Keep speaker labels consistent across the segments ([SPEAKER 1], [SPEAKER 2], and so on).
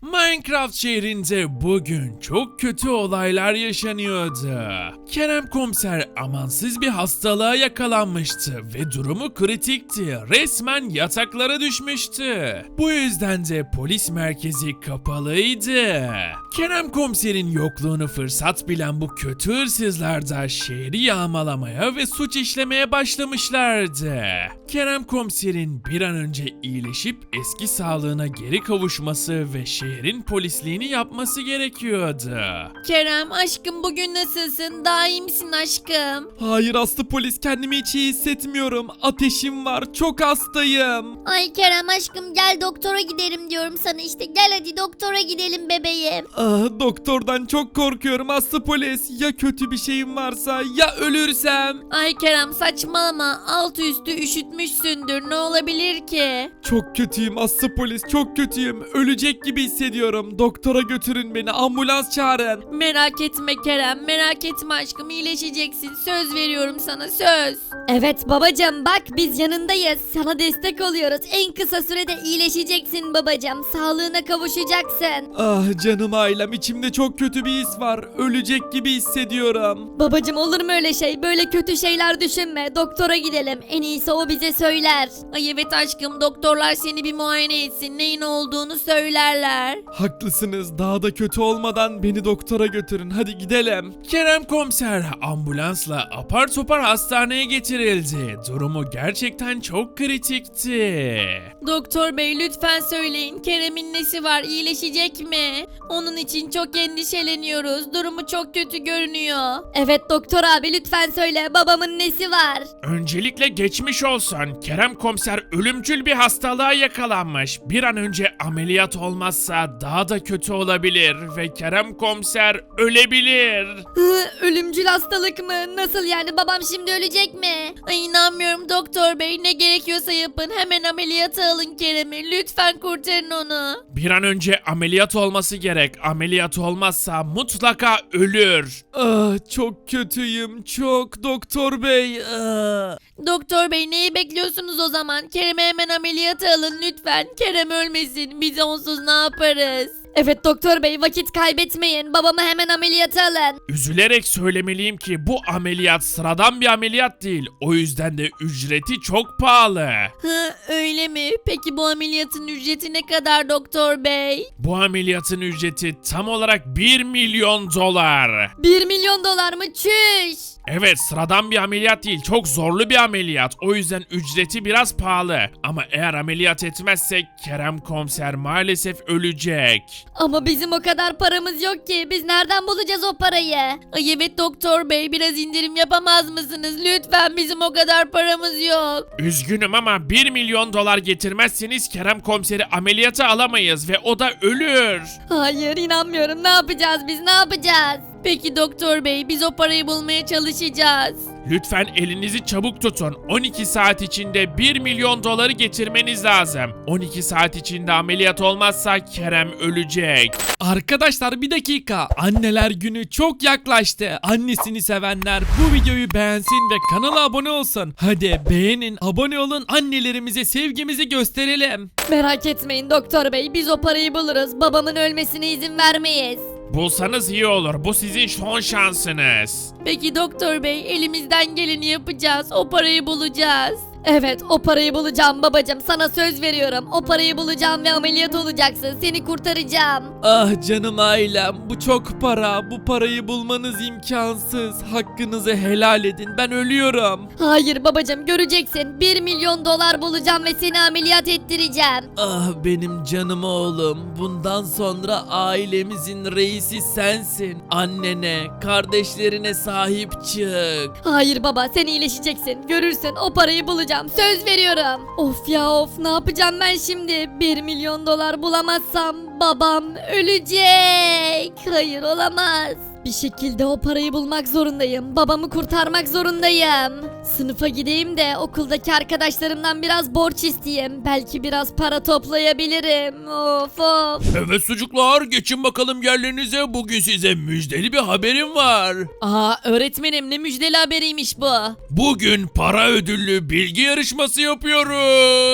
[SPEAKER 1] Minecraft şehrinde bugün çok kötü olaylar yaşanıyordu. Kerem komiser amansız bir hastalığa yakalanmıştı ve durumu kritikti. Resmen yataklara düşmüştü. Bu yüzden de polis merkezi kapalıydı. Kerem komiserin yokluğunu fırsat bilen bu kötü hırsızlar da şehri yağmalamaya ve suç işlemeye başlamışlardı. Kerem komiserin bir an önce iyileşip eski sağlığına geri kavuşması ve şehrin polisliğini yapması gerekiyordu.
[SPEAKER 2] Kerem aşkım bugün nasılsın? Daha iyi misin aşkım?
[SPEAKER 3] Hayır Aslı polis, kendimi hiç iyi hissetmiyorum. Ateşim var, çok hastayım.
[SPEAKER 4] Ay Kerem aşkım gel doktora gidelim diyorum sana işte. Gel hadi doktora gidelim bebeğim.
[SPEAKER 3] Doktordan çok korkuyorum Aslı polis. Ya kötü bir şeyim varsa, ya ölürsem.
[SPEAKER 2] Ay Kerem saçmalama. Altı üstü üşütmüşsündür. Ne olabilir ki?
[SPEAKER 3] Çok kötüyüm Aslı polis, çok kötüyüm. Ölecek gibi hissediyorum. Doktora götürün beni, ambulans çağırın.
[SPEAKER 2] Merak etme Kerem. Merak etme aşkım. İyileşeceksin. Söz veriyorum sana söz.
[SPEAKER 4] Evet babacığım bak biz yanındayız. Sana destek oluyoruz. En kısa sürede iyileşeceksin babacığım. Sağlığına kavuşacaksın.
[SPEAKER 3] Ah canım ailem, içimde çok kötü bir his var. Ölecek gibi hissediyorum.
[SPEAKER 4] Babacığım olur mu öyle şey? Böyle kötü şeyler düşünme. Doktora gidelim. En iyisi o bize söyler.
[SPEAKER 2] Ay evet aşkım. Doktorlar seni bir muayene etsin. Neyin olduğunu söylerler.
[SPEAKER 3] Haklısınız, daha da kötü olmadan beni doktora götürün. Hadi gidelim.
[SPEAKER 1] Kerem komiser ambulansla apar topar hastaneye getirildi. Durumu gerçekten çok kritikti.
[SPEAKER 2] Doktor bey lütfen söyleyin. Kerem'in nesi var? İyileşecek mi? Onun için çok endişeleniyoruz. Durumu çok kötü görünüyor.
[SPEAKER 4] Evet doktor abi lütfen söyle. Babamın nesi var?
[SPEAKER 1] Öncelikle geçmiş olsun. Kerem komiser ölümcül bir hastalığa yakalanmış. Bir an önce ameliyat olmazsa daha da kötü olabilir ve Kerem komiser ölebilir.
[SPEAKER 4] Ölümcül hastalık mı? Nasıl yani babam şimdi ölecek mi?
[SPEAKER 2] Ay inanmıyorum doktor bey. Ne gerekiyorsa yapın. Hemen ameliyata alın Kerem'i. Lütfen kurtarın onu.
[SPEAKER 1] Bir an önce ameliyat olması gerek. Ameliyat olmazsa mutlaka ölür.
[SPEAKER 3] Çok kötüyüm, çok doktor bey.
[SPEAKER 2] Doktor bey neyi bekliyorsunuz o zaman? Kerem'i hemen ameliyata alın lütfen. Kerem ölmesin. Biz onsuz ne yaparız?
[SPEAKER 4] Evet doktor bey vakit kaybetmeyin. Babamı hemen ameliyata alın.
[SPEAKER 1] Üzülerek söylemeliyim ki bu ameliyat sıradan bir ameliyat değil. O yüzden de ücreti çok pahalı.
[SPEAKER 2] Öyle mi? Peki bu ameliyatın ücreti ne kadar doktor bey?
[SPEAKER 1] Bu ameliyatın ücreti tam olarak 1 milyon dolar.
[SPEAKER 4] 1 milyon dolar mı? Çüş.
[SPEAKER 1] Evet, sıradan bir ameliyat değil, çok zorlu bir ameliyat. O yüzden ücreti biraz pahalı. Ama eğer ameliyat etmezsek Kerem komiser maalesef ölecek.
[SPEAKER 4] Ama bizim o kadar paramız yok ki. Biz nereden bulacağız o parayı?
[SPEAKER 2] Ay evet doktor bey biraz indirim yapamaz mısınız? Lütfen bizim o kadar paramız yok.
[SPEAKER 1] Üzgünüm ama 1 milyon dolar getirmezseniz Kerem komiseri ameliyata alamayız ve o da ölür.
[SPEAKER 4] Hayır inanmıyorum. Ne yapacağız biz? Ne yapacağız?
[SPEAKER 2] Peki doktor bey biz o parayı bulmaya çalışacağız.
[SPEAKER 1] Lütfen elinizi çabuk tutun. 12 saat içinde 1 milyon doları getirmeniz lazım. 12 saat içinde ameliyat olmazsa Kerem ölecek.
[SPEAKER 3] Arkadaşlar bir dakika. Anneler günü çok yaklaştı. Annesini sevenler bu videoyu beğensin ve kanala abone olsun. Hadi beğenin, abone olun, annelerimize sevgimizi gösterelim.
[SPEAKER 4] Merak etmeyin doktor bey. Biz o parayı buluruz. Babamın ölmesine izin vermeyiz.
[SPEAKER 1] Bulsanız iyi olur. Bu sizin son şansınız.
[SPEAKER 2] Peki doktor bey elimizden geleni yapacağız. O parayı bulacağız.
[SPEAKER 4] Evet o parayı bulacağım babacığım. Sana söz veriyorum. O parayı bulacağım ve ameliyat olacaksın. Seni kurtaracağım.
[SPEAKER 3] Ah canım ailem, bu çok para. Bu parayı bulmanız imkansız. Hakkınızı helal edin. Ben ölüyorum.
[SPEAKER 4] Hayır babacığım göreceksin. 1 milyon dolar bulacağım ve seni ameliyat ettireceğim.
[SPEAKER 3] Ah benim canım oğlum. Bundan sonra ailemizin reisi sensin. Annene, kardeşlerine sahip çık.
[SPEAKER 4] Hayır baba sen iyileşeceksin. Görürsün o parayı bulacağım. Söz veriyorum. Of ya of ne yapacağım ben şimdi? 1 milyon dolar bulamazsam babam ölecek. Hayır olamaz. Bir şekilde o parayı bulmak zorundayım. Babamı kurtarmak zorundayım. Sınıfa gideyim de okuldaki arkadaşlarımdan biraz borç isteyeyim. Belki biraz para toplayabilirim. Of of.
[SPEAKER 1] Evet çocuklar, geçin bakalım yerlerinize. Bugün size müjdeli bir haberim var.
[SPEAKER 2] Aa öğretmenim ne müjdeli haberiymiş bu.
[SPEAKER 1] Bugün para ödüllü bilgi yarışması yapıyoruz.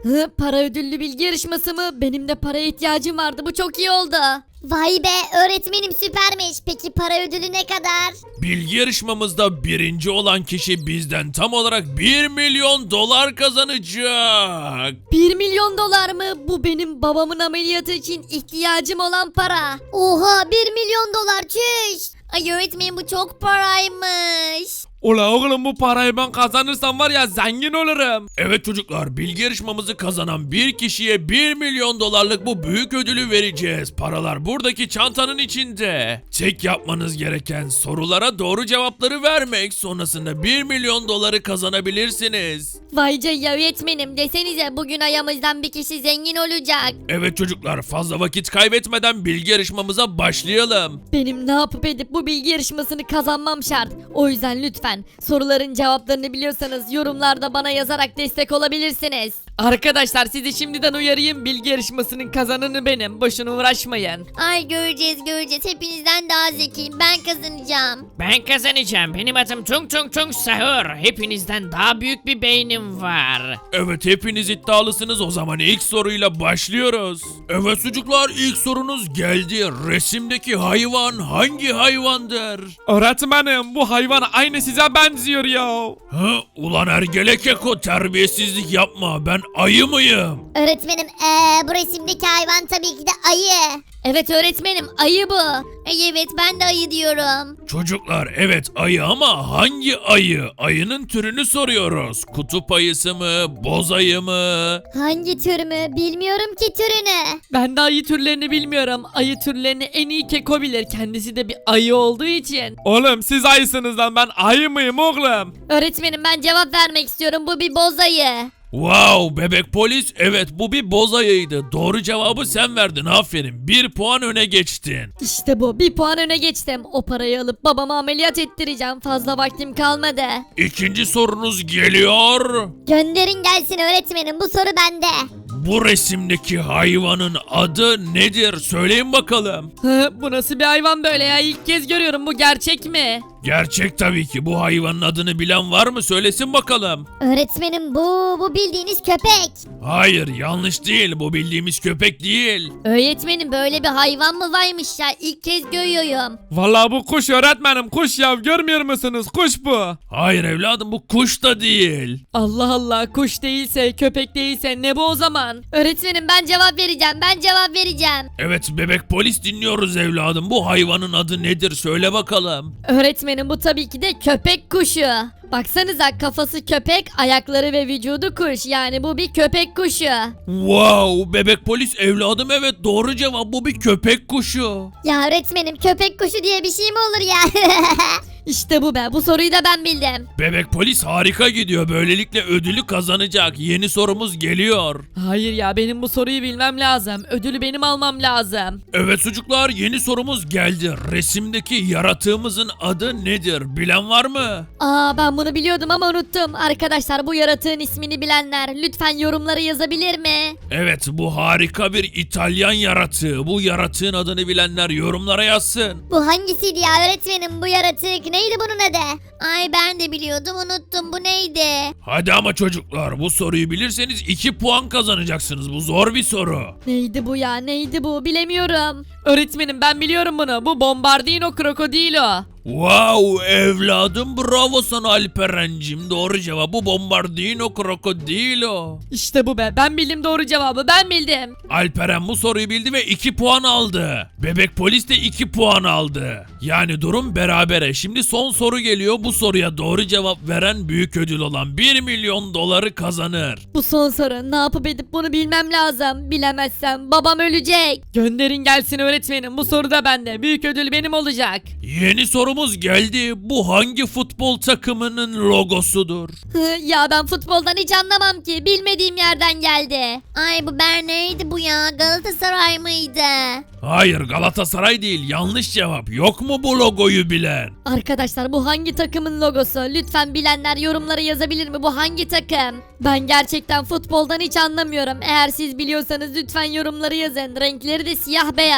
[SPEAKER 4] Para ödüllü bilgi yarışması mı? Benim de paraya ihtiyacım vardı. Bu çok iyi oldu.
[SPEAKER 5] Vay be öğretmenim süpermiş. Peki para ödülü ne kadar?
[SPEAKER 1] Bilgi yarışmamızda birinci olan kişi bizden tam olarak 1 milyon dolar kazanacak.
[SPEAKER 4] 1 milyon dolar mı? Bu benim babamın ameliyatı için ihtiyacım olan para.
[SPEAKER 5] Oha 1 milyon dolar çüş. Ay öğretmenim bu çok paraymış.
[SPEAKER 3] Ula oğlum bu parayı ben kazanırsam var ya zengin olurum.
[SPEAKER 1] Evet çocuklar, bilgi yarışmamızı kazanan bir kişiye 1 milyon dolarlık bu büyük ödülü vereceğiz. Paralar buradaki çantanın içinde. Tek yapmanız gereken sorulara doğru cevapları vermek. Sonrasında 1 milyon doları kazanabilirsiniz.
[SPEAKER 4] Vay canına öğretmenim, desenize bugün ayağımızdan bir kişi zengin olacak.
[SPEAKER 1] Evet çocuklar, fazla vakit kaybetmeden bilgi yarışmamıza başlayalım.
[SPEAKER 4] Benim ne yapıp edip bu bilgi yarışmasını kazanmam şart. O yüzden lütfen soruların cevaplarını biliyorsanız yorumlarda bana yazarak destek olabilirsiniz.
[SPEAKER 3] Arkadaşlar sizi şimdiden uyarayım, bilgi yarışmasının kazananı benim. Boşuna uğraşmayın.
[SPEAKER 5] Ay göreceğiz. Hepinizden daha zekiyim. Ben kazanacağım.
[SPEAKER 6] Ben kazanacağım. Benim adım Tung Tung Tung Sahur. Hepinizden daha büyük bir beynim var.
[SPEAKER 1] Evet, hepiniz iddialısınız, o zaman ilk soruyla başlıyoruz. Evet çocuklar, ilk sorunuz geldi. Resimdeki hayvan hangi hayvandır?
[SPEAKER 3] Öğretmenim bu hayvan aynı size benziyor ya.
[SPEAKER 1] Ha, ulan ergelek Keko, terbiyesizlik yapma, ben ayı mıyım?
[SPEAKER 5] Öğretmenim bu resimdeki hayvan tabii ki de ayı.
[SPEAKER 4] Evet öğretmenim, ayı bu.
[SPEAKER 5] Evet ben de ayı diyorum.
[SPEAKER 1] Çocuklar, evet ayı ama hangi ayı? Ayının türünü soruyoruz. Kutup ayısı mı, boz ayı mı?
[SPEAKER 5] Hangi tür mü? Bilmiyorum ki türünü.
[SPEAKER 3] Ben de ayı türlerini bilmiyorum. Ayı türlerini en iyi Keko bilir. Kendisi de bir ayı olduğu için. Oğlum siz ayısınız lan, ben ayı mıyım oğlum?
[SPEAKER 4] Öğretmenim ben cevap vermek istiyorum, bu bir boz ayı.
[SPEAKER 1] Wow, bebek polis, evet bu bir boz ayıydı. Doğru cevabı sen verdin, aferin. 1 puan öne geçtin.
[SPEAKER 4] İşte bu, bir puan öne geçtim. O parayı alıp babama ameliyat ettireceğim. Fazla vaktim kalmadı.
[SPEAKER 1] İkinci sorunuz geliyor.
[SPEAKER 5] Gönderin gelsin öğretmenim, bu soru bende.
[SPEAKER 1] Bu resimdeki hayvanın adı nedir? Söyleyin bakalım.
[SPEAKER 3] Bu nasıl bir hayvan böyle ya? İlk kez görüyorum, bu gerçek mi?
[SPEAKER 1] Gerçek tabii ki. Bu hayvanın adını bilen var mı? Söylesin bakalım.
[SPEAKER 5] Öğretmenim bu bildiğiniz köpek.
[SPEAKER 1] Hayır, yanlış değil. Bu bildiğimiz köpek değil.
[SPEAKER 4] Öğretmenim böyle bir hayvan mı varmış ya? İlk kez görüyorum.
[SPEAKER 3] Vallahi bu kuş öğretmenim, kuş ya, görmüyor musunuz? Kuş bu.
[SPEAKER 1] Hayır evladım, bu kuş da değil.
[SPEAKER 3] Allah Allah, kuş değilse, köpek değilse ne bu o zaman?
[SPEAKER 4] Öğretmenim ben cevap vereceğim.
[SPEAKER 1] Evet bebek polis, dinliyoruz evladım. Bu hayvanın adı nedir? Söyle bakalım.
[SPEAKER 4] Öğretmenim bu tabii ki de köpek kuşu. Baksanıza, kafası köpek, ayakları ve vücudu kuş. Yani bu bir köpek kuşu.
[SPEAKER 1] Wow, bebek polis evladım, evet doğru cevap, bu bir köpek kuşu.
[SPEAKER 5] Ya öğretmenim köpek kuşu diye bir şey mi olur ya?
[SPEAKER 4] İşte bu be, bu soruyu da ben bildim.
[SPEAKER 1] Bebek polis harika gidiyor. Böylelikle ödülü kazanacak. Yeni sorumuz geliyor.
[SPEAKER 3] Hayır ya, benim bu soruyu bilmem lazım. Ödülü benim almam lazım.
[SPEAKER 1] Evet çocuklar, yeni sorumuz geldi. Resimdeki yaratığımızın adı nedir? Bilen var mı?
[SPEAKER 4] Aa, ben bunu biliyordum ama unuttum. Arkadaşlar bu yaratığın ismini bilenler lütfen yorumlara yazabilir mi?
[SPEAKER 1] Evet, bu harika bir İtalyan yaratığı. Bu yaratığın adını bilenler yorumlara yazsın.
[SPEAKER 5] Bu hangisiydi ya öğretmenim, bu yaratık neydi bunun adı? Ay ben de biliyordum, unuttum, bu neydi?
[SPEAKER 1] Hadi ama çocuklar, bu soruyu bilirseniz 2 puan kazanacaksınız. Bu zor bir soru.
[SPEAKER 4] Neydi bu ya, neydi bu, bilemiyorum.
[SPEAKER 3] Öğretmenim ben biliyorum bunu. Bu Bombardino Krokodilo.
[SPEAKER 1] Wow evladım, bravo sana Alperen'cim. Doğru cevap bu Bombardino Krokodilo.
[SPEAKER 3] İşte bu be, ben bildim doğru cevabı, ben bildim.
[SPEAKER 1] Alperen bu soruyu bildi ve 2 puan aldı. Bebek polis de 2 puan aldı. Yani durum berabere. Şimdi son soru geliyor. Bu soruya doğru cevap veren büyük ödül olan 1 milyon doları kazanır.
[SPEAKER 4] Bu son soru, ne yapıp edip bunu bilmem lazım. Bilemezsem babam ölecek.
[SPEAKER 3] Gönderin gelsin öğretmenim, bu soru da bende. Büyük ödül benim olacak.
[SPEAKER 1] Yeni sorumuz geldi. Bu hangi futbol takımının logosudur?
[SPEAKER 4] Ya ben futboldan hiç anlamam ki, bilmediğim yerden geldi.
[SPEAKER 5] Ay bu neydi bu ya, Galatasaray mıydı?
[SPEAKER 1] Hayır, Galatasaray değil. Yanlış cevap. Yok mu bu logoyu bilen?
[SPEAKER 4] Arkadaşlar bu hangi takımın logosu? Lütfen bilenler yorumlara yazabilir mi? Bu hangi takım? Ben gerçekten futboldan hiç anlamıyorum. Eğer siz biliyorsanız lütfen yorumları yazın. Renkleri de siyah beyaz.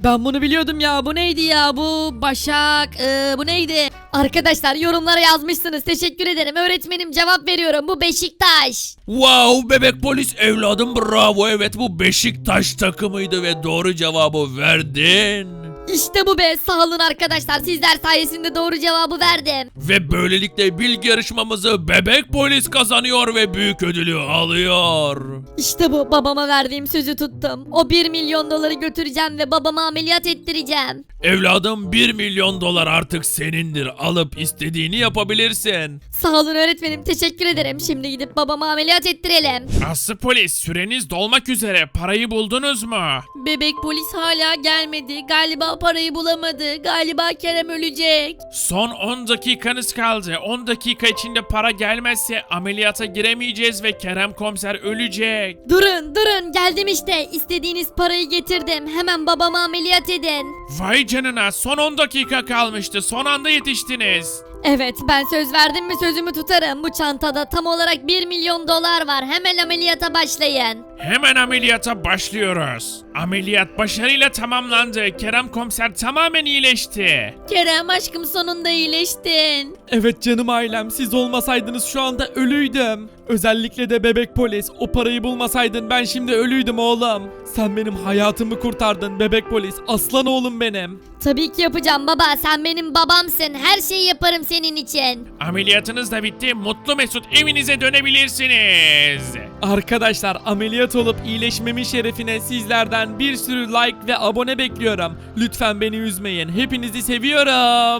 [SPEAKER 2] Ben bunu biliyordum ya. Bu neydi ya? Bu Başak. Bu neydi?
[SPEAKER 4] Arkadaşlar yorumlara yazmışsınız. Teşekkür ederim. Öğretmenim cevap veriyorum. Bu Beşiktaş.
[SPEAKER 1] Wow bebek polis evladım bravo, evet bu Beşiktaş takımıydı ve doğru cevabı verdin.
[SPEAKER 4] İşte bu be. Sağ olun arkadaşlar. Sizler sayesinde doğru cevabı verdim.
[SPEAKER 1] Ve böylelikle bilgi yarışmamızı bebek polis kazanıyor ve büyük ödülü alıyor.
[SPEAKER 4] İşte bu. Babama verdiğim sözü tuttum. O 1 milyon doları götüreceğim ve babama ameliyat ettireceğim.
[SPEAKER 1] Evladım 1 milyon dolar artık senindir, alıp istediğini yapabilirsin.
[SPEAKER 4] Sağ olun öğretmenim. Teşekkür ederim. Şimdi gidip babama ameliyat ettirelim.
[SPEAKER 1] Aslı polis süreniz dolmak üzere, parayı buldunuz mu?
[SPEAKER 2] Bebek polis hala gelmedi. Galiba parayı bulamadı. Galiba Kerem ölecek.
[SPEAKER 1] Son 10 dakikanız kaldı. 10 dakika içinde para gelmezse ameliyata giremeyeceğiz ve Kerem komiser ölecek.
[SPEAKER 4] Durun geldim işte. İstediğiniz parayı getirdim. Hemen babama ameliyat edin.
[SPEAKER 1] Vay canına, son 10 dakika kalmıştı, son anda yetiştiniz.
[SPEAKER 4] Evet ben söz verdim mi sözümü tutarım. Bu çantada tam olarak 1 milyon dolar var. Hemen ameliyata başlayın.
[SPEAKER 1] Hemen ameliyata başlıyoruz. Ameliyat başarıyla tamamlandı. Kerem komiser tamamen iyileşti.
[SPEAKER 2] Kerem aşkım sonunda iyileştin.
[SPEAKER 3] Evet canım ailem, siz olmasaydınız şu anda ölüydüm. Özellikle de bebek polis, o parayı bulmasaydın ben şimdi ölüydüm oğlum. Sen benim hayatımı kurtardın bebek polis, aslan oğlum benim.
[SPEAKER 4] Tabii ki yapacağım baba. Sen benim babamsın. Her şeyi yaparım senin için.
[SPEAKER 1] Ameliyatınız da bitti. Mutlu mesut evinize dönebilirsiniz.
[SPEAKER 3] Arkadaşlar ameliyat olup iyileşmemin şerefine sizlerden bir sürü like ve abone bekliyorum. Lütfen beni üzmeyin, hepinizi seviyorum.